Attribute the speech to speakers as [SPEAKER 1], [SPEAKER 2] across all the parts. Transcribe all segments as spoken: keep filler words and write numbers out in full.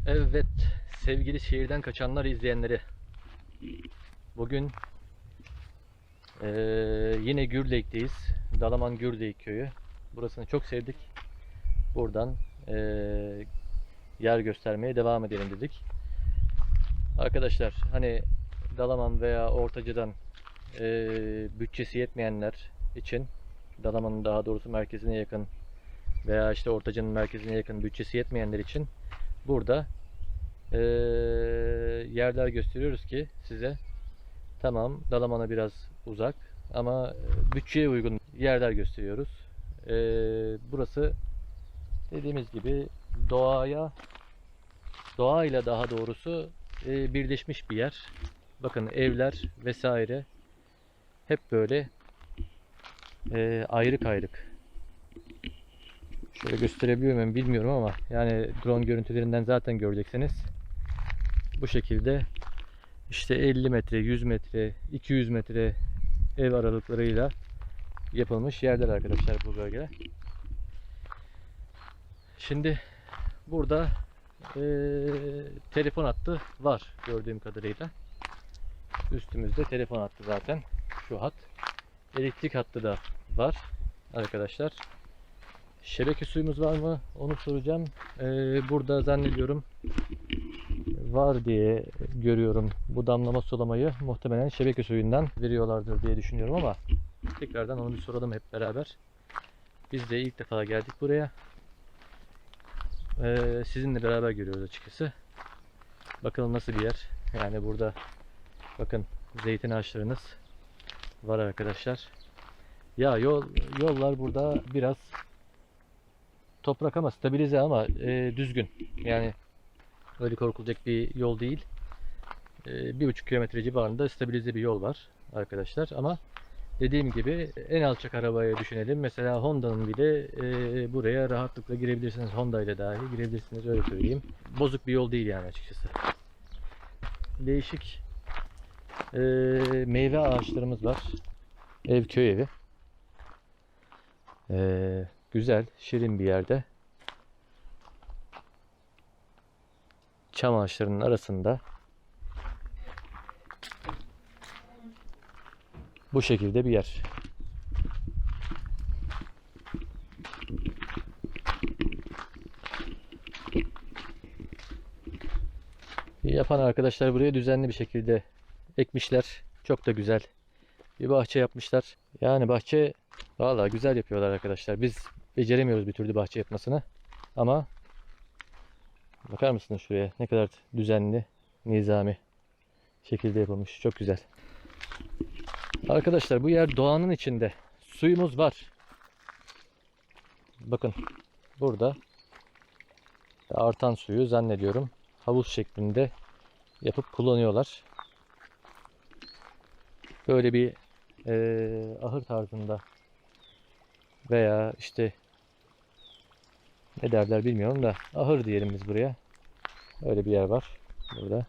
[SPEAKER 1] Evet, sevgili şehirden kaçanlar izleyenleri. Bugün eee, yine Gürlek'teyiz. Dalaman Gürlek köyü. Burasını çok sevdik. Buradan eee, yer göstermeye devam edelim dedik. Arkadaşlar hani Dalaman veya Ortaca'dan eee, bütçesi yetmeyenler için, Dalaman'ın daha doğrusu merkezine yakın veya işte Ortaca'nın merkezine yakın bütçesi yetmeyenler için burada eee, yerler gösteriyoruz ki size. Tamam, Dalaman'a biraz uzak ama bütçeye uygun yerler gösteriyoruz. Ee, burası dediğimiz gibi doğaya, doğayla daha doğrusu e, birleşmiş bir yer. Bakın evler vesaire hep böyle e, ayrık ayrık. Şöyle gösterebiliyor muyum bilmiyorum ama yani drone görüntülerinden zaten göreceksiniz. Bu şekilde işte elli metre, yüz metre, iki yüz metre ev aralıklarıyla yapılmış yerler arkadaşlar bu bölge. Şimdi burada e, telefon hattı var gördüğüm kadarıyla. Üstümüzde telefon hattı zaten. Şu hat. Elektrik hattı da var arkadaşlar. Şebeke suyumuz var mı? Onu soracağım. E, burada zannediyorum var diye görüyorum. Bu damlama sulamayı muhtemelen şebeke suyundan veriyorlardır diye düşünüyorum ama tekrardan onu bir soralım hep beraber. Biz de ilk defa geldik buraya. Ee, sizinle beraber görüyoruz açıkçası. Bakalım nasıl bir yer. Yani burada bakın zeytin ağaçlarınız var arkadaşlar. Ya yol yollar burada biraz toprak ama stabilize ama e, düzgün. Yani öyle korkulacak bir yol değil. E, bir buçuk kilometre civarında stabilize bir yol var arkadaşlar. Ama dediğim gibi en alçak arabayı düşünelim. Mesela Honda'nın bile e, buraya rahatlıkla girebilirsiniz. Honda ile dahi girebilirsiniz öyle söyleyeyim. Bozuk bir yol değil yani açıkçası. Değişik e, meyve ağaçlarımız var. Ev köy evi. E, güzel, şirin bir yerde. Çam ağaçlarının arasında bu şekilde bir yer. Yapan arkadaşlar buraya düzenli bir şekilde ekmişler. Çok da güzel bir bahçe yapmışlar. Yani bahçe vallahi güzel yapıyorlar arkadaşlar. Biz beceremiyoruz bir türlü bahçe yapmasını. Ama bakar mısınız şuraya ne kadar düzenli, nizami şekilde yapılmış. Çok güzel. Arkadaşlar bu yer doğanın içinde. Suyumuz var. Bakın burada artan suyu zannediyorum havuz şeklinde yapıp kullanıyorlar. Böyle bir e, ahır tarzında veya işte ne derler bilmiyorum da ahır diyelim biz buraya. Öyle bir yer var burada.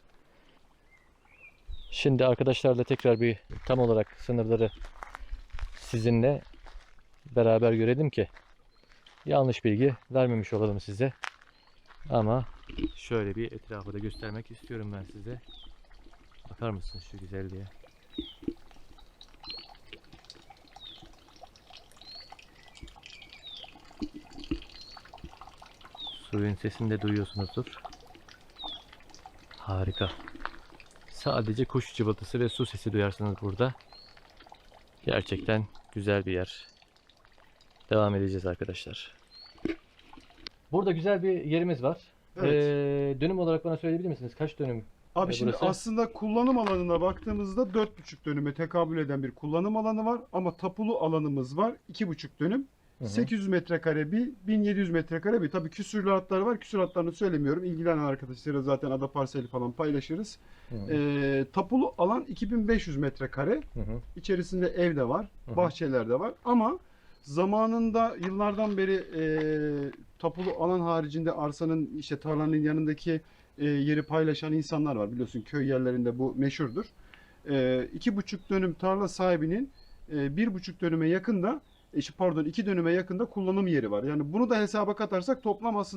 [SPEAKER 1] Şimdi arkadaşlarla tekrar bir tam olarak sınırları sizinle beraber görelim ki yanlış bilgi vermemiş olalım size. Ama şöyle bir etrafı da göstermek istiyorum ben size. Bakar mısınız şu güzelliğe? Suyun sesini de duyuyorsunuzdur. Harika. Sadece kuş cıvıltısı ve su sesi duyarsınız burada. Gerçekten güzel bir yer. Devam edeceğiz arkadaşlar. Burada güzel bir yerimiz var.
[SPEAKER 2] Evet.
[SPEAKER 1] Ee, dönüm olarak bana söyleyebilir misiniz? Kaç dönüm
[SPEAKER 2] Abi
[SPEAKER 1] e,
[SPEAKER 2] şimdi
[SPEAKER 1] burası?
[SPEAKER 2] aslında kullanım alanına baktığımızda dört buçuk dönüme tekabül eden bir kullanım alanı var. Ama tapulu alanımız var iki buçuk dönüm.
[SPEAKER 1] Hı hı.
[SPEAKER 2] sekiz yüz metrekare bir, bin yedi yüz metrekare bir. Tabii küsuratlar var. Küsuratlarını söylemiyorum. İlgilenen arkadaşlara zaten ada parseli falan paylaşırız.
[SPEAKER 1] Hı hı.
[SPEAKER 2] Ee, tapulu alan iki bin beş yüz metrekare.
[SPEAKER 1] Hı hı.
[SPEAKER 2] İçerisinde ev de var.
[SPEAKER 1] Hı hı.
[SPEAKER 2] Bahçeler de var. Ama zamanında yıllardan beri e, tapulu alan haricinde arsanın işte tarlanın yanındaki e, yeri paylaşan insanlar var. Biliyorsun köy yerlerinde bu meşhurdur. E, iki buçuk dönüm tarla sahibinin e, bir buçuk dönüme yakında, e, pardon iki dönüme yakında kullanım yeri var. Yani bunu da hesaba katarsak toplam aslında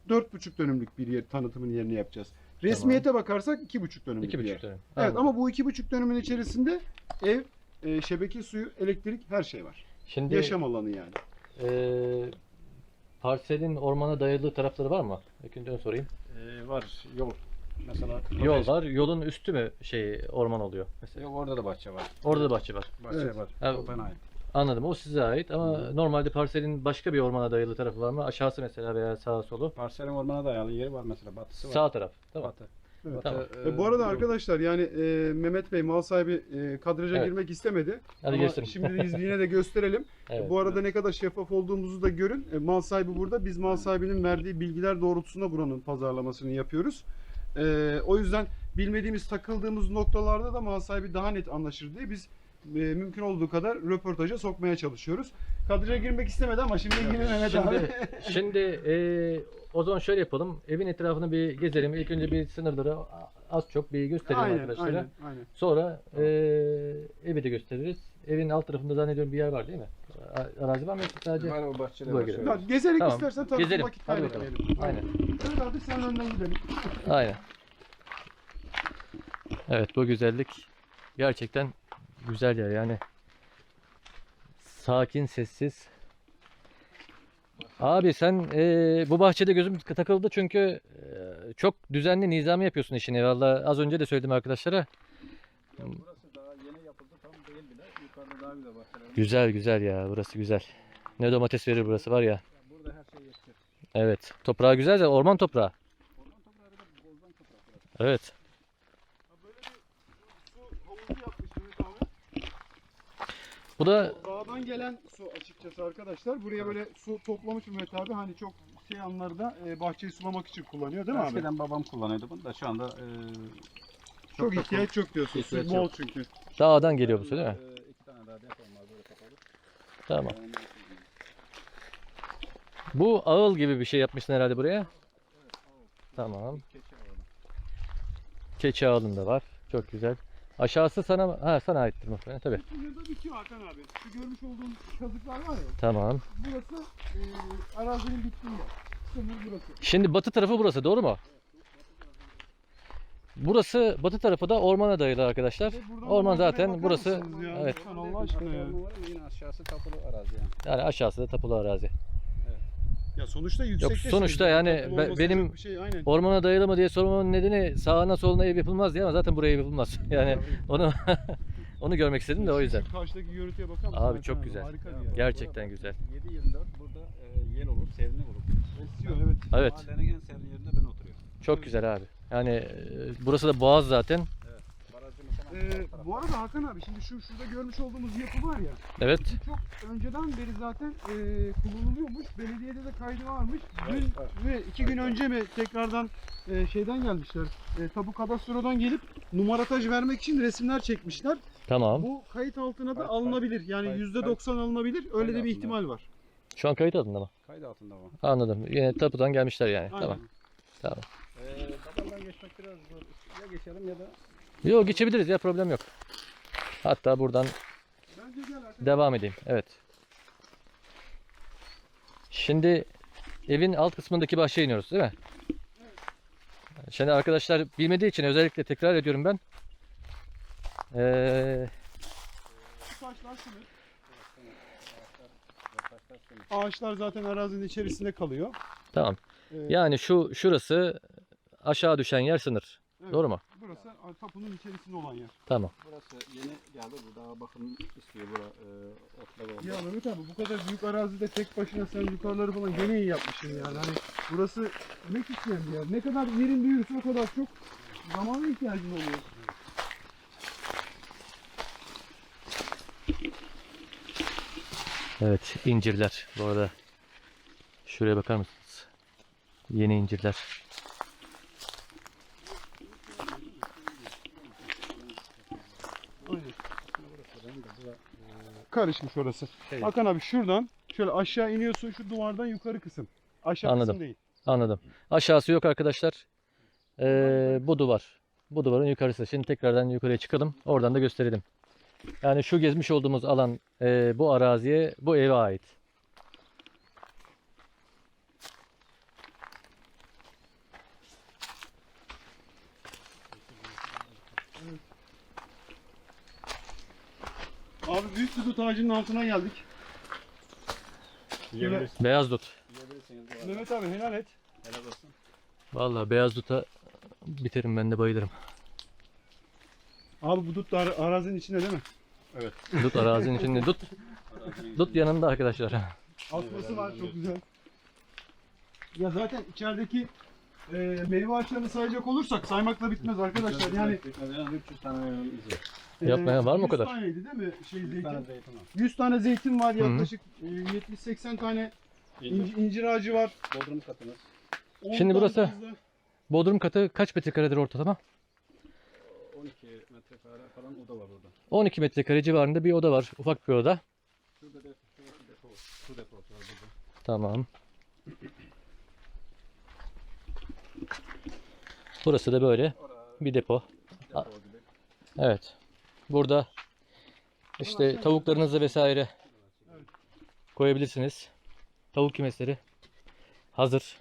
[SPEAKER 2] dört buçuk dönümlük bir yer tanıtımın yerini yapacağız. Resmiyete bakarsak iki buçuk dönümlük
[SPEAKER 1] iki
[SPEAKER 2] bir yer.
[SPEAKER 1] buçuk dönüm.
[SPEAKER 2] Evet
[SPEAKER 1] Anladım.
[SPEAKER 2] ama bu iki buçuk dönümün içerisinde ev, e, şebeke suyu, elektrik her şey var.
[SPEAKER 1] Şimdi
[SPEAKER 2] Yaşam alanı yani.
[SPEAKER 1] eee parselin ormana dayalı tarafları var mı? İlk önce onu sorayım.
[SPEAKER 3] Ee, var yol. Mesela
[SPEAKER 1] Yol var. Yolun üstü mü şey orman oluyor mesela?
[SPEAKER 3] Yok, orada da bahçe var.
[SPEAKER 1] Orada da bahçe var.
[SPEAKER 3] Bahçe
[SPEAKER 2] Evet.
[SPEAKER 3] var.
[SPEAKER 1] Ha,
[SPEAKER 3] O bana ait.
[SPEAKER 1] Anladım. O size ait ama normalde parselin başka bir ormana dayalı tarafı var mı? Aşağısı mesela veya sağa solu.
[SPEAKER 3] Parselin ormana dayalı yeri var mesela. Batısı var.
[SPEAKER 1] Sağ taraf. Tamam.
[SPEAKER 3] Batı.
[SPEAKER 2] Evet.
[SPEAKER 1] Tamam.
[SPEAKER 3] Batı,
[SPEAKER 2] E, bu arada
[SPEAKER 3] yol.
[SPEAKER 2] arkadaşlar yani e, Mehmet Bey mal sahibi e, kadraja
[SPEAKER 1] Evet.
[SPEAKER 2] girmek istemedi.
[SPEAKER 1] Hadi
[SPEAKER 2] Ama
[SPEAKER 1] gösterin.
[SPEAKER 2] şimdi de izleyene de gösterelim.
[SPEAKER 1] Evet.
[SPEAKER 2] Bu arada ne kadar şeffaf olduğumuzu da görün. E, mal sahibi burada. Biz mal sahibinin verdiği bilgiler doğrultusunda buranın pazarlamasını yapıyoruz. E, o yüzden bilmediğimiz, takıldığımız noktalarda da mal sahibi daha net anlaşır diye biz e, mümkün olduğu kadar röportaja sokmaya çalışıyoruz. Kadraja girmek istemedi ama şimdi ilgili Mehmet abi.
[SPEAKER 1] Şimdi, şimdi eee, o zaman şöyle yapalım. Evin etrafını bir gezelim. İlk önce bir sınırları az çok bir gösterelim
[SPEAKER 2] Aynen,
[SPEAKER 1] arkadaşlara.
[SPEAKER 2] aynen, aynen.
[SPEAKER 1] Sonra eee, evi de gösteririz. Evin alt tarafında zannediyorum bir yer var değil mi? A- Arazi var mı yoksa sadece?
[SPEAKER 3] Var o bahçede
[SPEAKER 1] Bu
[SPEAKER 3] var.
[SPEAKER 1] bölgede.
[SPEAKER 3] şöyle.
[SPEAKER 2] Ya, gezerek
[SPEAKER 1] Tamam.
[SPEAKER 2] istersen tanıtım
[SPEAKER 1] Gezelim.
[SPEAKER 2] vakit
[SPEAKER 1] Hadi bakalım.
[SPEAKER 2] kaybetmeyelim.
[SPEAKER 1] Aynen.
[SPEAKER 2] Evet abi sen önden gidelim.
[SPEAKER 1] Aynen. Evet, bu güzellik gerçekten güzel yer yani. Sakin, sessiz. Abi sen eee, bu bahçede gözüm takıldı çünkü eee, çok düzenli, nizami yapıyorsun işini. Vallahi az önce de söyledim arkadaşlara.
[SPEAKER 3] Ya burası daha yeni yapıldı, tam değil bile. Yukarıda daha güzel bahçeler.
[SPEAKER 1] Güzel güzel ya, burası güzel. Ne domates verir burası var ya.
[SPEAKER 3] Ya burada her şey yetişir.
[SPEAKER 1] Evet, toprağı güzel de orman toprağı.
[SPEAKER 3] Orman toprağı da bozdan toprak burası.
[SPEAKER 1] Evet.
[SPEAKER 2] Ha, böyle bir su havuzu yapmış Mehmet abi.
[SPEAKER 1] Bu da
[SPEAKER 2] Dağdan gelen su açıkçası arkadaşlar. Buraya böyle su toplamış Mehmet abi. Hani çok şey anlarda e, bahçeyi sulamak için kullanıyor değil mi abi?
[SPEAKER 3] Eskiden babam kullanıyordu bunu da şu anda e,
[SPEAKER 2] Çok
[SPEAKER 3] da
[SPEAKER 2] ihtiyaç yok diyorsun. Su
[SPEAKER 3] ihtiyaç
[SPEAKER 2] bol
[SPEAKER 3] yok.
[SPEAKER 2] çünkü.
[SPEAKER 1] dağdan geliyor bu su değil mi?
[SPEAKER 3] E, iki tane daha depo var böyle kapalı.
[SPEAKER 1] Tamam.
[SPEAKER 3] Yani,
[SPEAKER 1] Bu ağıl gibi bir şey yapmışsın herhalde buraya. Tamam.
[SPEAKER 3] keçi alanı.
[SPEAKER 1] Keçi ağılında var. Çok güzel. Aşağısı sana ha sana aittir muhtemelen tabii.
[SPEAKER 2] Burada bitiyor Hakan abi. Şu görmüş olduğun kazıklar var ya.
[SPEAKER 1] Tamam.
[SPEAKER 2] Burası e, arazinin bittiği yer. Sınır burası.
[SPEAKER 1] Şimdi batı tarafı burası doğru mu? Burası batı tarafı da ormana dayalı arkadaşlar.
[SPEAKER 2] Ve buradan
[SPEAKER 1] Orman
[SPEAKER 2] manzaraya
[SPEAKER 1] zaten
[SPEAKER 2] bakar
[SPEAKER 1] burası
[SPEAKER 2] mısınız ya?
[SPEAKER 1] evet.
[SPEAKER 2] Lütfen Allah aşkına ya.
[SPEAKER 3] Var ama yine aşağısı tapulu arazi yani.
[SPEAKER 1] Yani aşağısı da tapulu arazi.
[SPEAKER 2] Ya sonuçta yüksekte.
[SPEAKER 1] sonuçta yani be- benim-
[SPEAKER 2] bir şey aynen.
[SPEAKER 1] Ormana dayalı mı diye sormamın nedeni sağına soluna ev yapılmaz diye ama zaten buraya ev yapılmaz. Yani onu onu görmek istedim de o yüzden.
[SPEAKER 2] Şu karşıdaki görüntüye bakar mısın?
[SPEAKER 1] Abi
[SPEAKER 2] Hakan
[SPEAKER 1] çok güzel.
[SPEAKER 2] Harika bir
[SPEAKER 3] Ya,
[SPEAKER 2] yer.
[SPEAKER 1] Gerçekten güzel.
[SPEAKER 3] yedi yirmi dört burada e, yel olur, serinlik olur.
[SPEAKER 2] Esiyor evet.
[SPEAKER 1] Evet.
[SPEAKER 3] Mahallenin en serin yerinde ben oturuyorum.
[SPEAKER 1] Çok güzel abi. Yani e, burası da boğaz zaten.
[SPEAKER 3] Barajımız hemen
[SPEAKER 2] Ee,
[SPEAKER 3] sağ tarafta.
[SPEAKER 2] bu arada Hakan abi şimdi şu şurada görmüş olduğumuz yapı var ya.
[SPEAKER 1] Evet.
[SPEAKER 2] Bu çok önceden beri zaten e, kullanılıyormuş. Belediyede de kaydı varmış. Dün
[SPEAKER 3] Evet, var.
[SPEAKER 2] ve iki gün önce mi tekrardan e, şeyden gelmişler. E, tabu kadastrodan gelip numarataj vermek için resimler çekmişler.
[SPEAKER 1] Tamam.
[SPEAKER 2] Bu kayıt altına da
[SPEAKER 3] Kayıt-
[SPEAKER 2] alınabilir. Yani
[SPEAKER 3] kayıt-
[SPEAKER 2] yüzde doksan alınabilir. Öyle de bir
[SPEAKER 3] altında.
[SPEAKER 2] ihtimal var.
[SPEAKER 1] Şu an kayıt altında mı?
[SPEAKER 3] Kaydı altında bu.
[SPEAKER 1] Anladım. Yine tapudan gelmişler yani.
[SPEAKER 2] Aynen.
[SPEAKER 1] Tamam. Tamam.
[SPEAKER 3] Ee, babamdan geçmek biraz zor. Ya geçelim ya da
[SPEAKER 1] Yok geçebiliriz ya problem yok. Hatta buradan
[SPEAKER 2] Bence gel Hakan.
[SPEAKER 1] devam edeyim. Evet. Şimdi evin alt kısmındaki bahçeye iniyoruz değil mi? Şimdi arkadaşlar bilmediği için özellikle tekrar ediyorum ben. Ee,
[SPEAKER 2] Şu taşlar sınır.
[SPEAKER 3] taşlar sönük.
[SPEAKER 2] Ağaçlar zaten arazinin içerisinde kalıyor.
[SPEAKER 1] tamam.
[SPEAKER 2] Ee,
[SPEAKER 1] Yani şu şurası aşağı düşen yer sınır.
[SPEAKER 2] evet,
[SPEAKER 1] Doğru mu?
[SPEAKER 2] Burası tapunun içerisinde olan yer.
[SPEAKER 1] Tamam.
[SPEAKER 3] Burası yeni geldi. Bu daha bakım istiyor. Bura e, otlar oldu.
[SPEAKER 2] Ya Mehmet abi bu kadar büyük arazide tek başına sen yukarıları falan gene iyi yapmışsın yani. Hani burası emek isteyen bir yer. Ne kadar yerin büyürse o kadar çok zamana ihtiyacın oluyor.
[SPEAKER 1] Evet incirler bu arada. Şuraya bakar mısınız? Yeni incirler.
[SPEAKER 2] Aynen. Karışmış orası.
[SPEAKER 3] Şey-
[SPEAKER 2] Hakan abi şuradan şöyle aşağı iniyorsun şu duvardan yukarı kısım. Aşağı
[SPEAKER 1] Anladım.
[SPEAKER 2] kısım değil.
[SPEAKER 1] Anladım. Aşağısı yok arkadaşlar. Ee, bu duvar. Bu duvarın yukarısı. Şimdi tekrardan yukarıya çıkalım. Oradan da gösterelim. Yani şu gezmiş olduğumuz alan e, bu araziye, bu eve ait.
[SPEAKER 2] Abi büyük bir dut ağacının altına geldik.
[SPEAKER 3] Yiyebilirsin.
[SPEAKER 1] Beyaz dut.
[SPEAKER 3] Yiyebilirsiniz. bu arada.
[SPEAKER 2] Mehmet abi helal et.
[SPEAKER 3] Helal olsun.
[SPEAKER 1] Vallahi beyaz duta biterim, ben de bayılırım.
[SPEAKER 2] Abi bu dut da ara- arazinin içinde değil mi?
[SPEAKER 3] Evet.
[SPEAKER 1] Dut arazinin içinde. Dut, dut yanında arkadaşlar.
[SPEAKER 2] Asması var çok güzel. Ya zaten içerideki e, meyve ağaçlarını sayacak olursak saymakla bitmez arkadaşlar. Yani
[SPEAKER 3] Yani üç yüz tane meyvemiz var.
[SPEAKER 2] e,
[SPEAKER 1] Yapmaya var mı o
[SPEAKER 2] yüz
[SPEAKER 1] kadar?
[SPEAKER 2] taneydi değil mi şey
[SPEAKER 3] yüz tane
[SPEAKER 2] zeytin?
[SPEAKER 3] zeytin var.
[SPEAKER 2] yüz tane zeytin var,
[SPEAKER 1] Hı hı.
[SPEAKER 2] yaklaşık e, yetmiş seksen tane
[SPEAKER 3] İncir.
[SPEAKER 2] incir, incir ağacı var.
[SPEAKER 3] Bodrum katımız.
[SPEAKER 2] on
[SPEAKER 1] Şimdi
[SPEAKER 2] tane
[SPEAKER 1] burası-
[SPEAKER 2] fazla-
[SPEAKER 1] Bodrum katı kaç metrekaredir ortalama?
[SPEAKER 3] on iki metrekare falan oda var orada.
[SPEAKER 1] on iki metrekare civarında bir oda var. Ufak bir oda.
[SPEAKER 3] Şurada depo, şurası depo, su deposu var burada.
[SPEAKER 1] Tamam. Burası da böyle
[SPEAKER 3] Orada
[SPEAKER 1] bir depo.
[SPEAKER 3] depo gibi.
[SPEAKER 1] Evet. Burada işte tavuklarınızı vesaire koyabilirsiniz. Tavuk kümesleri hazır.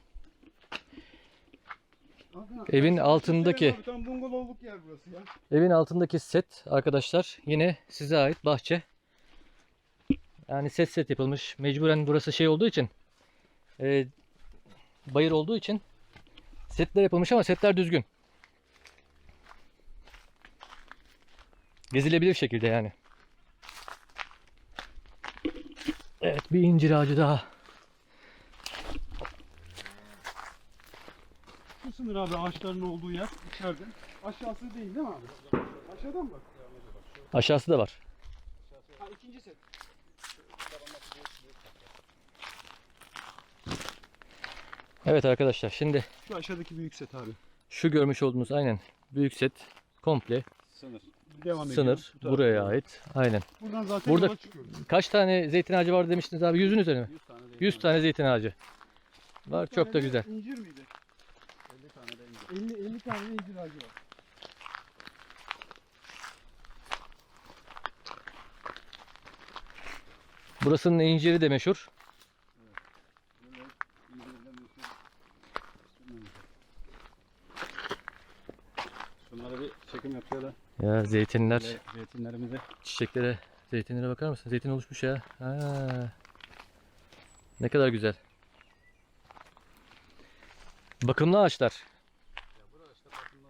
[SPEAKER 2] Aha,
[SPEAKER 1] Evin
[SPEAKER 2] ben-
[SPEAKER 1] altındaki-
[SPEAKER 2] Abi, tam bungalovluk yer burası ya.
[SPEAKER 1] Evin altındaki set arkadaşlar yine size ait bahçe. Yani set set yapılmış. Mecburen burası şey olduğu için, e, bayır olduğu için setler yapılmış ama setler düzgün. Gezilebilir şekilde yani. Evet, bir incir ağacı daha.
[SPEAKER 2] Şu sınır abi ağaçların olduğu yer içeride. Aşağısı değil değil mi abi? Aşağıdan bak.
[SPEAKER 1] Aşağısı da var.
[SPEAKER 2] Ha ikinci set.
[SPEAKER 1] Evet arkadaşlar, şimdi
[SPEAKER 2] Şu aşağıdaki büyük set abi.
[SPEAKER 1] şu görmüş olduğunuz aynen büyük set komple
[SPEAKER 3] Sınır.
[SPEAKER 2] Devam ediyor.
[SPEAKER 1] sınır
[SPEAKER 2] Bu tarafa.
[SPEAKER 1] buraya ait. Aynen.
[SPEAKER 2] Buradan zaten
[SPEAKER 1] Burada-
[SPEAKER 2] yola çıkıyoruz.
[SPEAKER 1] Kaç tane zeytin ağacı var demiştiniz abi? Yüzün üzerine mi?
[SPEAKER 3] yüz tane zeytin
[SPEAKER 1] yüz
[SPEAKER 3] var.
[SPEAKER 1] tane zeytin ağacı var.
[SPEAKER 2] Bir
[SPEAKER 1] Çok da
[SPEAKER 2] tane de
[SPEAKER 1] güzel.
[SPEAKER 2] İncir miydi?
[SPEAKER 3] elli tane de incir.
[SPEAKER 2] elli elli tane de incir ağacı var.
[SPEAKER 1] Burasının inciri de meşhur.
[SPEAKER 3] Böyle incirler meşhur. Şunlara bir çekim yapıyorlar.
[SPEAKER 1] Ya zeytinler,
[SPEAKER 3] Böyle zeytinlerimizi.
[SPEAKER 1] çiçeklere, zeytinlere bakar mısın? Zeytin oluşmuş ya. Ha. Ne kadar güzel. Bakımlı ağaçlar.
[SPEAKER 3] Ya burada işte bakımlar.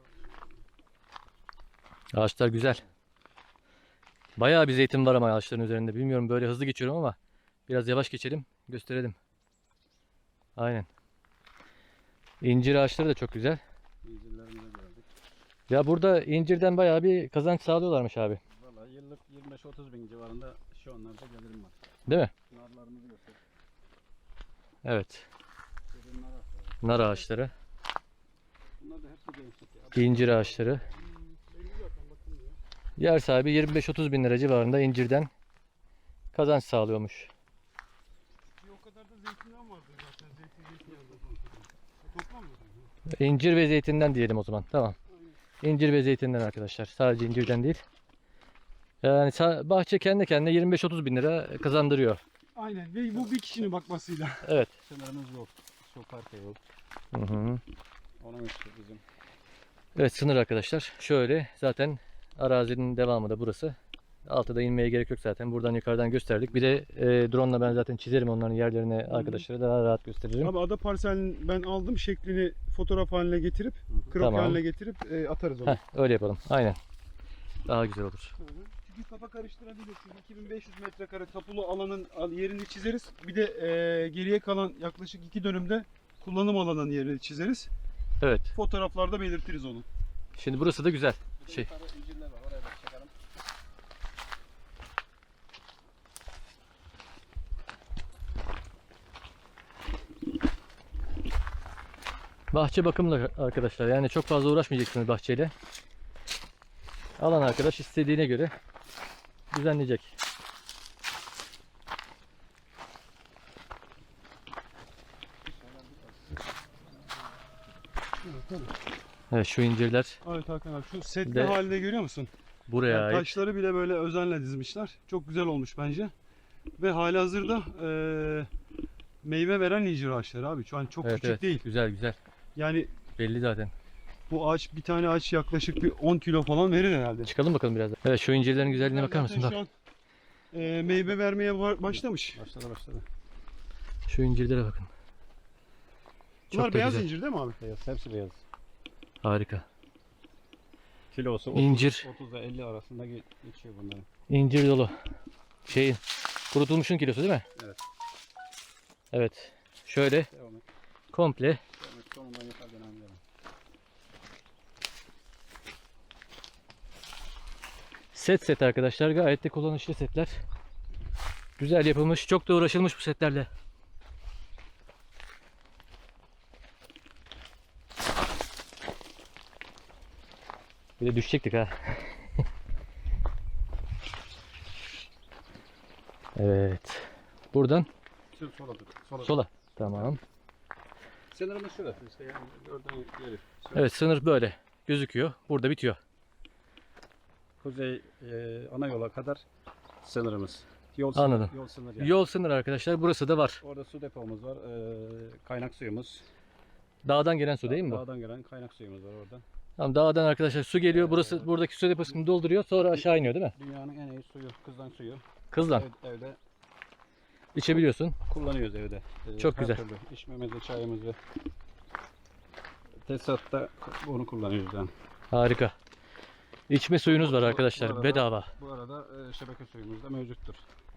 [SPEAKER 1] Ağaçlar güzel. Bayağı bir zeytin var ama ağaçların üzerinde. Bilmiyorum, böyle hızlı geçiyorum ama biraz yavaş geçelim, gösterelim. Aynen. İncir ağaçları da çok güzel.
[SPEAKER 3] İncirlerimizi gördük.
[SPEAKER 1] Ya burada incirden bayağı bir kazanç sağlıyorlarmış abi.
[SPEAKER 3] Valla yıllık yirmi beş otuz bin civarında şu anlarda gelirim var.
[SPEAKER 1] Değil mi?
[SPEAKER 3] Narlarımızı göster.
[SPEAKER 1] Evet.
[SPEAKER 3] Derin nar ağaçları.
[SPEAKER 1] Nar ağaçları,
[SPEAKER 3] Bunlar da hepsi gençlik ya.
[SPEAKER 1] incir ağaçları. Yer sahibi yirmi beş otuz bin lira civarında incirden kazanç sağlıyormuş.
[SPEAKER 2] Bir o kadar da zeytinyağı vardı zaten. Zeytin zeytinyağı da. Toplam mı?
[SPEAKER 1] İncir ve zeytinden diyelim o zaman. Tamam. İncir ve zeytinden arkadaşlar. Sadece incirden değil. Yani sa- bahçe kendi kendine yirmi beş otuz bin lira kazandırıyor.
[SPEAKER 2] Aynen ve bu bir kişinin bakmasıyla.
[SPEAKER 1] Evet.
[SPEAKER 3] Sınırımız yok. Şu parka yok.
[SPEAKER 1] Hı hı.
[SPEAKER 3] Onun üstü bizim.
[SPEAKER 1] Evet, sınır arkadaşlar. Şöyle zaten arazinin devamı da burası. Altıda inmeye gerek yok zaten. Buradan yukarıdan gösterdik. Bir de e, drone ile ben zaten çizerim onların yerlerini, arkadaşlara daha rahat gösteririm.
[SPEAKER 2] Abi ada parselini ben aldım, şeklini fotoğraf haline getirip, kroki
[SPEAKER 1] Tamam.
[SPEAKER 2] haline getirip e, atarız onu.
[SPEAKER 1] Heh, öyle yapalım. Aynen. Daha güzel olur.
[SPEAKER 2] Hı hı. Çünkü kafa karıştırabilirsin. iki bin beş yüz metrekare tapulu alanın al- yerini çizeriz. Bir de e, geriye kalan yaklaşık iki dönümde kullanım alanının yerini çizeriz.
[SPEAKER 1] Evet.
[SPEAKER 2] Fotoğraflarda belirtiriz onu.
[SPEAKER 1] Şimdi burası da güzel.
[SPEAKER 3] Burada
[SPEAKER 1] Şey.
[SPEAKER 3] yukarı incirler var. Oraya da çekelim.
[SPEAKER 1] Bahçe bakımlı arkadaşlar. Yani çok fazla uğraşmayacaksınız bahçeyle. Alan arkadaş istediğine göre düzenleyecek. Evet, şu incirler
[SPEAKER 2] Evet Hakan abi, şu setli
[SPEAKER 1] De-
[SPEAKER 2] halinde görüyor musun?
[SPEAKER 1] buraya
[SPEAKER 2] Yani
[SPEAKER 1] ait.
[SPEAKER 2] taşları bile böyle özenle dizmişler. Çok güzel olmuş bence. Ve halihazırda e, meyve veren incir ağaçları abi. Şu an çok
[SPEAKER 1] Evet,
[SPEAKER 2] küçük
[SPEAKER 1] evet.
[SPEAKER 2] değil.
[SPEAKER 1] Güzel güzel.
[SPEAKER 2] Yani
[SPEAKER 1] Belli zaten.
[SPEAKER 2] bu ağaç, bir tane ağaç yaklaşık bir on kilo falan verir herhalde.
[SPEAKER 1] Çıkalım bakalım biraz da. Evet, şu incirlerin güzelliğine bakar mısın?
[SPEAKER 2] Zaten
[SPEAKER 1] Bak.
[SPEAKER 2] şu an e, meyve vermeye var- başlamış.
[SPEAKER 3] Başladı başladı.
[SPEAKER 1] Şu incirlere bakın.
[SPEAKER 2] Bunlar
[SPEAKER 1] da
[SPEAKER 2] beyaz
[SPEAKER 1] güzel.
[SPEAKER 2] incir değil mi abi?
[SPEAKER 3] Beyaz, hepsi beyaz.
[SPEAKER 1] Harika.
[SPEAKER 3] Kilosu otuz,
[SPEAKER 1] İncir.
[SPEAKER 3] otuz ile elli arasında ge- geçiyor bunların.
[SPEAKER 1] İncir dolu. Şeyin kurutulmuşun kilosu değil mi?
[SPEAKER 3] Evet.
[SPEAKER 1] Evet. Şöyle
[SPEAKER 3] Devam et.
[SPEAKER 1] komple
[SPEAKER 3] Devam et. Sonundan yukarıdan anlayalım.
[SPEAKER 1] set set arkadaşlar. Gayet de kullanışlı setler. Güzel yapılmış. Çok da uğraşılmış bu setlerle. Bir de düşecektik ha. Evet. Buradan
[SPEAKER 3] Şu sola tut. Sola.
[SPEAKER 1] sola. Tamam.
[SPEAKER 3] Sınırımız şurası işte yani oradan yürü.
[SPEAKER 1] Evet, sınır böyle gözüküyor. Burada bitiyor.
[SPEAKER 3] Kuzey e, ana yola kadar sınırımız. Yol
[SPEAKER 1] Anladım.
[SPEAKER 3] Sınır, yol sınır yani.
[SPEAKER 1] Yol sınır arkadaşlar. Burası da var.
[SPEAKER 3] Orada su depomuz var. E, kaynak suyumuz.
[SPEAKER 1] Dağdan gelen su değil mi bu?
[SPEAKER 3] Dağdan gelen kaynak suyumuz var oradan.
[SPEAKER 1] Tamam, dağdan arkadaşlar su geliyor. Burası buradaki su deposunu dolduruyor. Sonra aşağı iniyor değil mi?
[SPEAKER 3] Dünyanın en iyi suyu, kızdan suyu.
[SPEAKER 1] Kızlan.
[SPEAKER 3] Ev- evde
[SPEAKER 1] İçebiliyorsun.
[SPEAKER 3] kullanıyoruz evde. E,
[SPEAKER 1] Çok
[SPEAKER 3] her
[SPEAKER 1] güzel.
[SPEAKER 3] türlü içmemizi, çayımızı. Tesatta bunu kullanıyoruz yani.
[SPEAKER 1] Harika. İçme suyunuz var
[SPEAKER 3] Bu-
[SPEAKER 1] arkadaşlar.
[SPEAKER 3] bu arada-
[SPEAKER 1] Bedava.
[SPEAKER 3] Bu arada e, şebeke suyumuz da mevcuttur.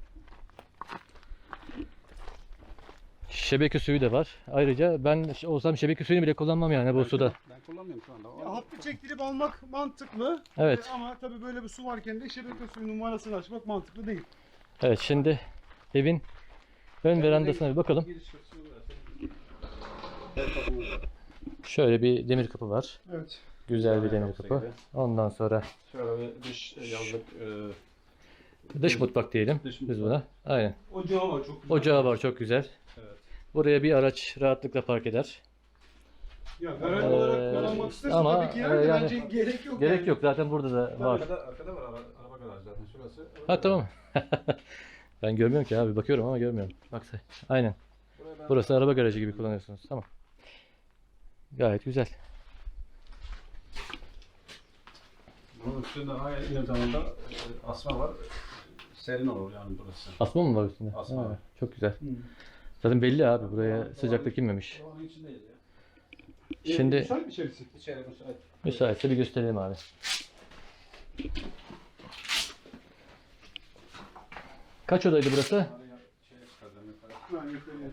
[SPEAKER 1] Şebeke suyu da var. Ayrıca ben ş- olsam şebeke suyunu bile kullanmam yani bu
[SPEAKER 3] Ben
[SPEAKER 1] suda.
[SPEAKER 3] kullan- Ben kullanmıyorum şu anda. O-
[SPEAKER 2] Ya, hattı çektirip almak mantıklı.
[SPEAKER 1] Evet.
[SPEAKER 2] E, ama tabii böyle bir su varken de şebeke suyunun numarasını açmak mantıklı değil.
[SPEAKER 1] Evet, şimdi evin ön verandasına bir bakalım.
[SPEAKER 3] Giriş kapısı burası. El kapımız var.
[SPEAKER 1] Şöyle bir demir kapı var.
[SPEAKER 2] Evet.
[SPEAKER 1] Güzel bir
[SPEAKER 3] Güzel
[SPEAKER 1] demir
[SPEAKER 3] kapısı
[SPEAKER 1] kapı.
[SPEAKER 3] gibi.
[SPEAKER 1] Ondan sonra
[SPEAKER 3] Şöyle bir dış yazlık e,
[SPEAKER 1] dış mutfak diyelim
[SPEAKER 3] Dış
[SPEAKER 1] biz
[SPEAKER 3] mutfak.
[SPEAKER 1] buna. Aynen.
[SPEAKER 2] Ocağı var çok güzel.
[SPEAKER 1] Ocağı var, çok güzel.
[SPEAKER 3] evet.
[SPEAKER 1] Buraya bir araç rahatlıkla park eder.
[SPEAKER 2] Ya garaj
[SPEAKER 1] Ee,
[SPEAKER 2] olarak kullanmak istersen
[SPEAKER 1] ama,
[SPEAKER 2] tabii ki yer de
[SPEAKER 1] e, yani-
[SPEAKER 2] bence gerek yok.
[SPEAKER 1] Gerek
[SPEAKER 2] yani.
[SPEAKER 1] yok, zaten burada da var.
[SPEAKER 3] Arkada, arkada var araba, araba garajı zaten şurası.
[SPEAKER 1] Ha, tamam. Ben görmüyorum ki abi, bakıyorum ama görmüyorum. Baksana. Aynen.
[SPEAKER 3] Buraya ben-
[SPEAKER 1] Burası araba garajı gibi kullanıyorsunuz. Tamam. Gayet güzel.
[SPEAKER 3] Bunun üstünde aynı zamanda e, asma var. Serin olur yani burası.
[SPEAKER 1] Asma mı var üstünde?
[SPEAKER 3] Asma
[SPEAKER 1] Ha,
[SPEAKER 3] var.
[SPEAKER 1] çok güzel.
[SPEAKER 2] Hı.
[SPEAKER 1] Zaten belli abi, buraya sıcaklık inmemiş.
[SPEAKER 3] Onun içindeyiz ya.
[SPEAKER 2] E,
[SPEAKER 1] Şimdi
[SPEAKER 2] müsait bir içerisi.
[SPEAKER 3] İçeri müsait.
[SPEAKER 1] müsaitse bir gösterelim abi. Kaç odaydı burası?
[SPEAKER 3] Araya şeye çıkaracağım yukarı.
[SPEAKER 2] Ha, yukarıya.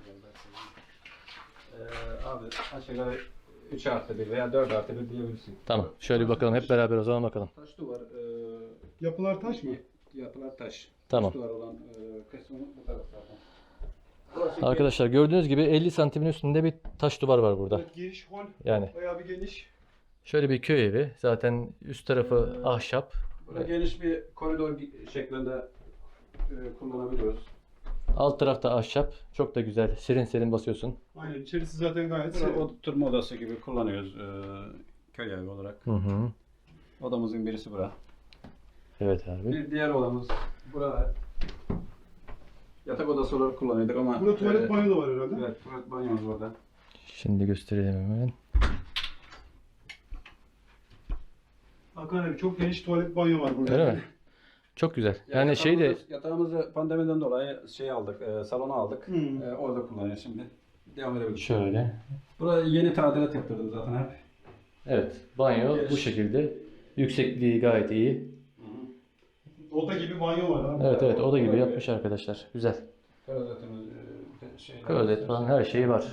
[SPEAKER 3] Ee, abi aşağı yukarı üç artı bir veya dört artı bir diyebilirsin.
[SPEAKER 1] Tamam. Şöyle bir bakalım hep beraber o zaman bakalım.
[SPEAKER 3] Taş duvar. E,
[SPEAKER 2] Yapılar taş mı?
[SPEAKER 3] yapılar taş.
[SPEAKER 1] Tamam.
[SPEAKER 3] Taş duvar olan e, kısmı bu taraf zaten. Burası
[SPEAKER 1] Arkadaşlar gördüğünüz gibi elli santimin üstünde bir taş duvar var burada.
[SPEAKER 2] Evet, giriş hol.
[SPEAKER 1] Yani
[SPEAKER 2] Bayağı bir geniş.
[SPEAKER 1] şöyle bir köy evi. Zaten üst tarafı
[SPEAKER 3] Ee,
[SPEAKER 1] ahşap.
[SPEAKER 3] Burada geniş bir koridor gi- şeklinde e, kullanabiliyoruz.
[SPEAKER 1] Alt tarafta ahşap. Çok da güzel. Serin serin basıyorsun.
[SPEAKER 2] Aynen, içerisi zaten gayet
[SPEAKER 3] Burada
[SPEAKER 2] serin.
[SPEAKER 3] oturma odası gibi kullanıyoruz e, köy evi olarak.
[SPEAKER 1] Hı hı.
[SPEAKER 3] Odamızın birisi bura.
[SPEAKER 1] Evet abi.
[SPEAKER 3] Bir diğer odamız burada. Yatak odası olarak kullanıyorduk ama
[SPEAKER 2] Burada tuvalet
[SPEAKER 3] e,
[SPEAKER 2] banyo da var herhalde.
[SPEAKER 3] Evet, tuvalet banyomuz burada.
[SPEAKER 1] Şimdi gösterelim hemen.
[SPEAKER 2] Hakan abi çok geniş tuvalet banyo var burada.
[SPEAKER 1] Öyle mi? Çok güzel. Yani şey de
[SPEAKER 3] yatağımızı- yatağımızı pandemiden dolayı şey aldık, e, salona aldık.
[SPEAKER 2] Hmm.
[SPEAKER 3] E, orada kullanıyoruz şimdi. Devam edebiliriz.
[SPEAKER 1] şöyle.
[SPEAKER 3] Buraya yeni tadilat yaptırdım zaten hep.
[SPEAKER 1] Evet. Banyo bu şekilde. Yüksekliği gayet iyi.
[SPEAKER 2] Oda gibi banyo var abi.
[SPEAKER 1] Evet evet, oda gibi yapmış arkadaşlar. Güzel.
[SPEAKER 3] Klozetimiz, e, şey,
[SPEAKER 1] Klozet falan her şeyi var.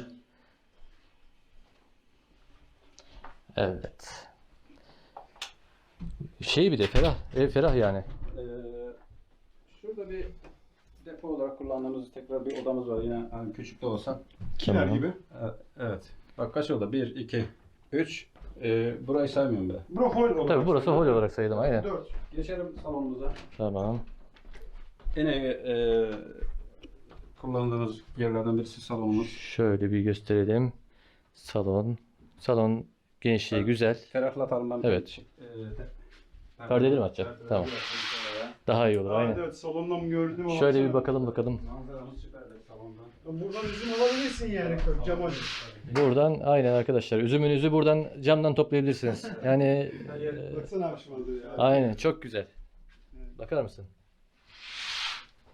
[SPEAKER 1] Evet. Şey bir de ferah. Ev ferah yani.
[SPEAKER 3] Ee, şurada bir depo olarak kullandığımız tekrar bir odamız var yine hani küçük de olsa.
[SPEAKER 2] Kiler
[SPEAKER 1] Tamam.
[SPEAKER 2] gibi.
[SPEAKER 3] Ee, Evet. Bak kaç oda? bir, iki, üç. Ee, burayı saymıyorum bile.
[SPEAKER 2] Bura hol olarak.
[SPEAKER 1] Tabii burası hol olarak sayılım, aynen.
[SPEAKER 2] dört.
[SPEAKER 3] Geçelim salonumuza.
[SPEAKER 1] Tamam.
[SPEAKER 3] Yine e, kullandığımız yerlerden birisi salonumuz.
[SPEAKER 1] Şöyle bir gösterelim. Salon. Salon genişliği
[SPEAKER 3] Evet.
[SPEAKER 1] güzel.
[SPEAKER 3] Ferahlatalım ben.
[SPEAKER 1] Evet.
[SPEAKER 3] E, de-
[SPEAKER 1] Perdeleri mi açacak?
[SPEAKER 3] Perdeleri
[SPEAKER 1] Tamam.
[SPEAKER 3] açalım şöyle.
[SPEAKER 1] Daha iyi olur,
[SPEAKER 2] Aa,
[SPEAKER 1] aynen.
[SPEAKER 2] evet, salondan gördüm ama.
[SPEAKER 1] Şöyle bir bakalım bakalım.
[SPEAKER 3] Manzaramız süperdir salondan.
[SPEAKER 2] Buradan üzüm alabilirsin yani cam acı.
[SPEAKER 1] Buradan aynen arkadaşlar. Üzümünüzü buradan camdan toplayabilirsiniz. Yani e,
[SPEAKER 2] Baksana abi şu manzaraya.
[SPEAKER 1] aynen çok güzel. Bakar mısın?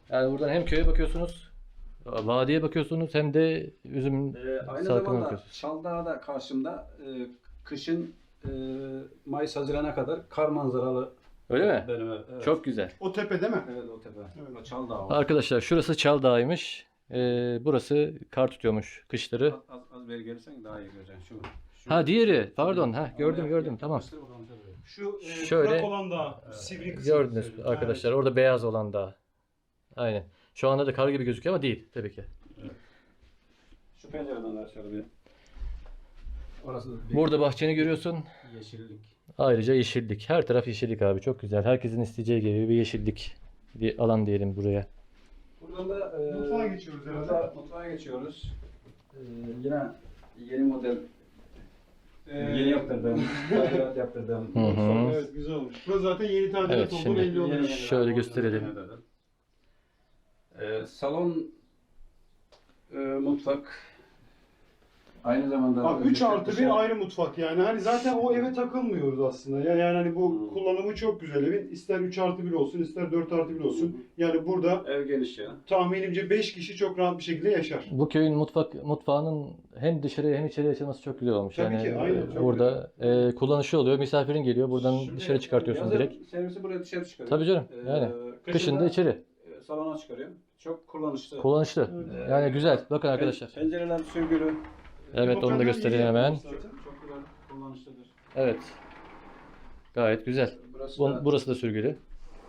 [SPEAKER 1] Yani buradan hem köye bakıyorsunuz, vadiye bakıyorsunuz hem de üzüm
[SPEAKER 3] Ee, aynı
[SPEAKER 1] salkımına
[SPEAKER 3] zamanda
[SPEAKER 1] bakıyorsunuz.
[SPEAKER 3] Çaldağ da karşımda e, kışın e, Mayıs Haziran'a kadar kar manzaralı
[SPEAKER 1] Öyle mi?
[SPEAKER 3] benim ev. Evet.
[SPEAKER 1] Çok güzel.
[SPEAKER 2] O tepe değil mi?
[SPEAKER 3] Evet o tepe.
[SPEAKER 2] Evet.
[SPEAKER 3] O Çaldağ var.
[SPEAKER 1] Arkadaşlar şurası Çal Dağı'ymış. Ee, burası kar tutuyormuş kışları.
[SPEAKER 3] Az, az, az beri gelirsen daha iyi göreceksin. Şu, şu-
[SPEAKER 1] Ha diğeri. Pardon. Ha
[SPEAKER 3] Oraya
[SPEAKER 1] gördüm gördüm.
[SPEAKER 3] yak-
[SPEAKER 1] Tamam.
[SPEAKER 3] yaklaştır bakalım tabii.
[SPEAKER 2] Şu e,
[SPEAKER 1] Şöyle-
[SPEAKER 2] kurak olan da sivri kısmı.
[SPEAKER 1] Gördünüz arkadaşlar. Orada beyaz olan dağ. Aynen. Şu anda da kar gibi gözüküyor ama değil tabii ki.
[SPEAKER 3] Şu pencereden de aşağı bir. Orası bir
[SPEAKER 1] Burada bahçeni görüyorsun.
[SPEAKER 3] yeşillik.
[SPEAKER 1] Ayrıca yeşillik. Her taraf yeşillik abi. Çok güzel. Herkesin isteyeceği gibi bir yeşillik bir alan diyelim buraya.
[SPEAKER 3] Buradan da e,
[SPEAKER 2] Mutfağa geçiyoruz herhalde.
[SPEAKER 3] mutfağa, mutfağa geçiyoruz. E, yine yeni model
[SPEAKER 2] Ee,
[SPEAKER 3] yeni yaptırdım. Tadilat yaptırdım.
[SPEAKER 1] Hı hı.
[SPEAKER 2] Evet güzel olmuş. Burası zaten yeni tadilat
[SPEAKER 1] Evet,
[SPEAKER 2] oldu
[SPEAKER 1] şimdi-
[SPEAKER 2] belli oluyor.
[SPEAKER 3] Yeni-
[SPEAKER 1] Şöyle
[SPEAKER 3] yeni-
[SPEAKER 1] gösterelim.
[SPEAKER 3] yeni dedim. E, salon e, mutfak aynı zamanda
[SPEAKER 2] Abi üç artı
[SPEAKER 3] dışarı-
[SPEAKER 2] bir ayrı mutfak yani. Hani zaten o eve takılmıyoruz aslında. Yani, yani hani bu
[SPEAKER 3] Hmm.
[SPEAKER 2] kullanımı çok güzel evin. İster üç artı bir olsun, ister dört artı bir olsun. Yani burada
[SPEAKER 3] ev geniş ya.
[SPEAKER 2] tahminimce beş kişi çok rahat bir şekilde yaşar.
[SPEAKER 1] Bu köyün mutfak mutfağının hem dışarıya hem içeriye açılması çok güzel olmuş.
[SPEAKER 2] Tabii
[SPEAKER 1] yani
[SPEAKER 2] ki, aynen,
[SPEAKER 1] e,
[SPEAKER 2] çok
[SPEAKER 1] burada e, kullanışı oluyor. Misafirin geliyor. Buradan
[SPEAKER 3] Şimdi,
[SPEAKER 1] dışarı çıkartıyorsun
[SPEAKER 3] yazın
[SPEAKER 1] direkt.
[SPEAKER 3] Servisi buraya dışarı çıkarıyor.
[SPEAKER 1] Tabii canım.
[SPEAKER 3] Ee,
[SPEAKER 1] Yani
[SPEAKER 3] kışın
[SPEAKER 1] kışın da
[SPEAKER 3] da,
[SPEAKER 1] içeri.
[SPEAKER 3] e, salona çıkarıyorum. Çok kullanışlı.
[SPEAKER 1] Kullanışlı.
[SPEAKER 3] Evet.
[SPEAKER 1] Yani güzel. Bakın arkadaşlar.
[SPEAKER 3] Pen- Pencereler sürgülü.
[SPEAKER 1] Evet onu da
[SPEAKER 2] Hoparlör
[SPEAKER 1] göstereyim
[SPEAKER 2] iyi
[SPEAKER 1] hemen.
[SPEAKER 2] yapmış
[SPEAKER 3] Çok,
[SPEAKER 2] zaten.
[SPEAKER 3] çok güzel kullanışlıdır.
[SPEAKER 1] Evet. Gayet güzel.
[SPEAKER 3] Burası
[SPEAKER 1] Bu-
[SPEAKER 3] da
[SPEAKER 1] Burası da sürgülü.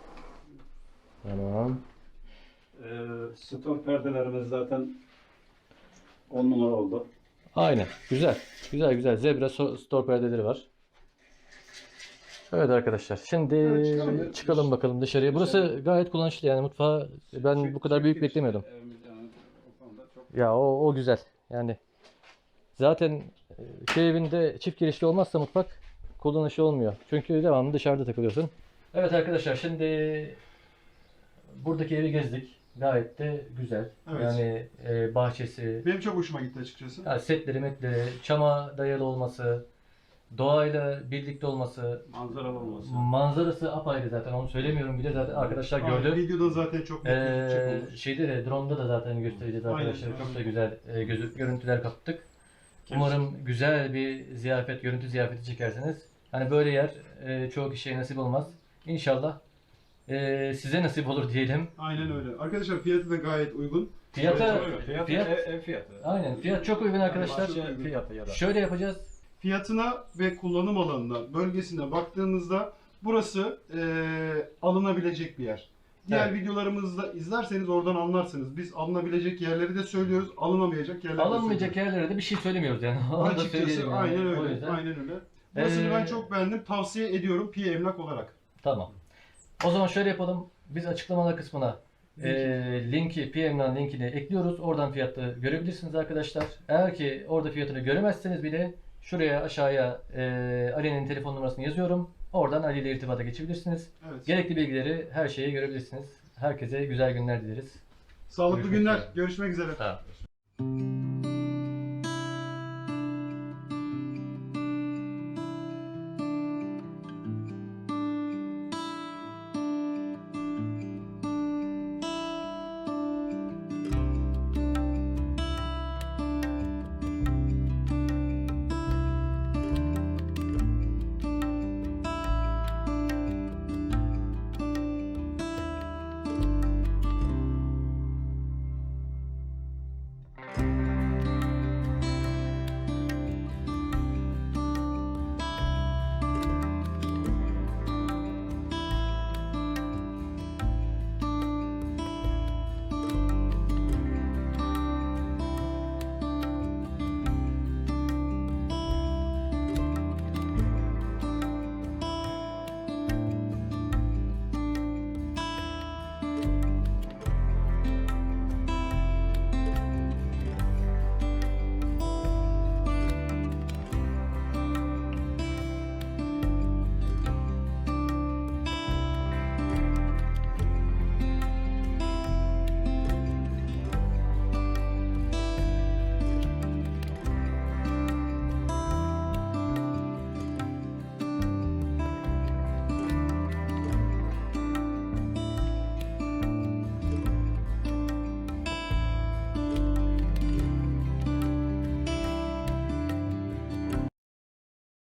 [SPEAKER 1] Tamam.
[SPEAKER 3] e, stor perdelerimiz zaten on numara oldu.
[SPEAKER 1] Aynen. Güzel. Güzel güzel. Zebra so- store perdeleri var. Evet arkadaşlar. Şimdi
[SPEAKER 2] Evet, çıkalım.
[SPEAKER 1] çıkalım bakalım dışarıya. Burası gayet kullanışlı yani mutfağı ben bu kadar büyük beklemiyordum.
[SPEAKER 3] Evimiz yani o konuda çok
[SPEAKER 1] Ya o o güzel. Yani zaten e, köy evinde çift girişli olmazsa mutfak kullanışlı olmuyor. Çünkü devamlı dışarıda takılıyorsun. Evet arkadaşlar şimdi buradaki evi gezdik. Gayet de güzel.
[SPEAKER 2] Evet.
[SPEAKER 1] Yani e, bahçesi,
[SPEAKER 2] Benim çok hoşuma gitti açıkçası.
[SPEAKER 1] yani setleri, metleri, çama dayalı olması, doğayla birlikte olması,
[SPEAKER 3] manzaralı olması.
[SPEAKER 1] manzarası apayrı zaten onu söylemiyorum bile zaten arkadaşlar
[SPEAKER 2] Aynen,
[SPEAKER 1] gördü.
[SPEAKER 2] videoda zaten çok net gözükecek
[SPEAKER 1] Ee,
[SPEAKER 2] olur.
[SPEAKER 1] şeyde de drone'da da zaten göstereceğiz
[SPEAKER 2] Aynen,
[SPEAKER 1] arkadaşlar.
[SPEAKER 2] aynen.
[SPEAKER 1] Çok da güzel e, gözü, görüntüler kaptık. Umarım güzel bir ziyafet, görüntü ziyafeti çekersiniz. Hani böyle yer e, çoğu kişiye nasip olmaz. İnşallah e, size nasip olur diyelim.
[SPEAKER 2] Aynen öyle. Arkadaşlar fiyatı da gayet uygun.
[SPEAKER 1] Fiyatı,
[SPEAKER 3] Fiyat,
[SPEAKER 1] fiyat,
[SPEAKER 3] ev, ev fiyatı.
[SPEAKER 1] aynen fiyat çok uygun arkadaşlar.
[SPEAKER 3] Bahçe fiyatı ya da.
[SPEAKER 1] Şöyle yapacağız.
[SPEAKER 2] Fiyatına ve kullanım alanına, bölgesine baktığımızda burası eee, alınabilecek bir yer. Diğer
[SPEAKER 1] Evet.
[SPEAKER 2] videolarımızda izlerseniz oradan anlarsınız. Biz alınabilecek yerleri de söylüyoruz, alınamayacak yerleri de
[SPEAKER 1] Alınmayacak
[SPEAKER 2] söylüyoruz.
[SPEAKER 1] yerlere de bir şey söylemiyoruz yani. Onu da
[SPEAKER 2] Açıkçası
[SPEAKER 1] söyleyelim yani.
[SPEAKER 2] aynen
[SPEAKER 1] O
[SPEAKER 2] öyle.
[SPEAKER 1] yüzden-
[SPEAKER 2] Aynen öyle. Burasını
[SPEAKER 1] Ee,
[SPEAKER 2] ben çok beğendim. Tavsiye ediyorum Pi Emlak olarak.
[SPEAKER 1] Tamam. O zaman şöyle yapalım. Biz açıklamalar kısmına e, linki, P M'den linkini ekliyoruz. Oradan fiyatı görebilirsiniz arkadaşlar. Eğer ki orada fiyatını göremezseniz bile şuraya aşağıya e, Ali'nin telefon numarasını yazıyorum. Oradan Ali ile irtibata geçebilirsiniz.
[SPEAKER 2] Evet.
[SPEAKER 1] Gerekli bilgileri, her şeyi görebilirsiniz. Herkese güzel günler dileriz.
[SPEAKER 2] Sağlıklı
[SPEAKER 1] Görüşmek
[SPEAKER 2] günler.
[SPEAKER 1] üzere.
[SPEAKER 2] Görüşmek üzere.
[SPEAKER 1] Sağ olun.